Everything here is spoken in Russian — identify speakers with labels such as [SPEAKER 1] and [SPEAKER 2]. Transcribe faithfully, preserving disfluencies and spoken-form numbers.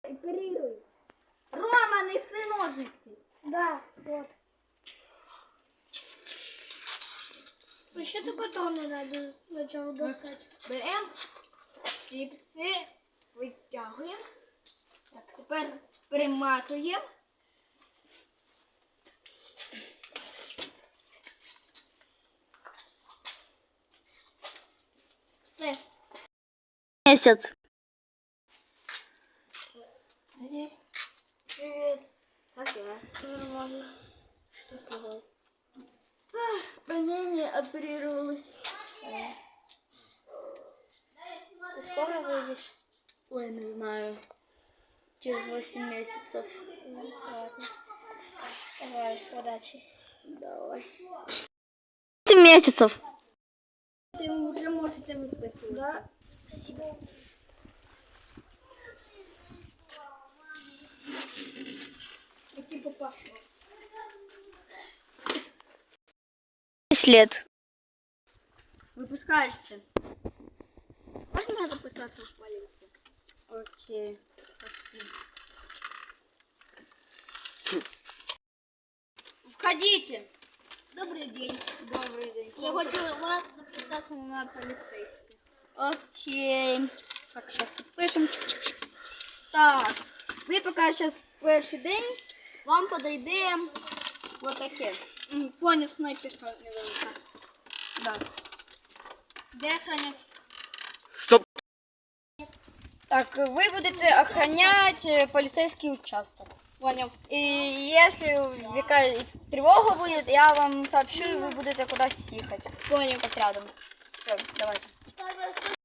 [SPEAKER 1] Оперируй. Рома, неси ножницы. Да, вот. Еще ты потом не надо сначала достать. Берем чипси, витягуємо. Так, тепер приматуємо. Все.
[SPEAKER 2] Месяц.
[SPEAKER 1] Привет. Привет. Как я? Нормально. Что с тобой? Да, ранение оперировали. Ты скоро выйдешь?
[SPEAKER 2] Ой, не знаю. Через восемь месяцев.
[SPEAKER 1] Ладно. Давай, удачи.
[SPEAKER 2] Давай. восемь месяцев.
[SPEAKER 1] Ты уже можете выписывать. Да. Спасибо. Иди попашу.
[SPEAKER 2] Лет.
[SPEAKER 1] Выпускаешься. Можно записаться в полицию?
[SPEAKER 2] Окей.
[SPEAKER 1] Входите. Добрый день.
[SPEAKER 2] Добрый день.
[SPEAKER 1] Я хочу вас записаться на полицейский.
[SPEAKER 2] Окей. Так, сейчас підпишемо.
[SPEAKER 1] Так, ви поки зараз перший день, вам подойде вот таке. М, Поняв, снайперка невелика. Да. Де охранять?
[SPEAKER 2] Стоп.
[SPEAKER 1] Так, вы будете охранять полицейский участок. Понял. И если какая тревога будет, я вам сообщу, и вы будете куда-то ехать. Понял. Как рядом. Все, давайте.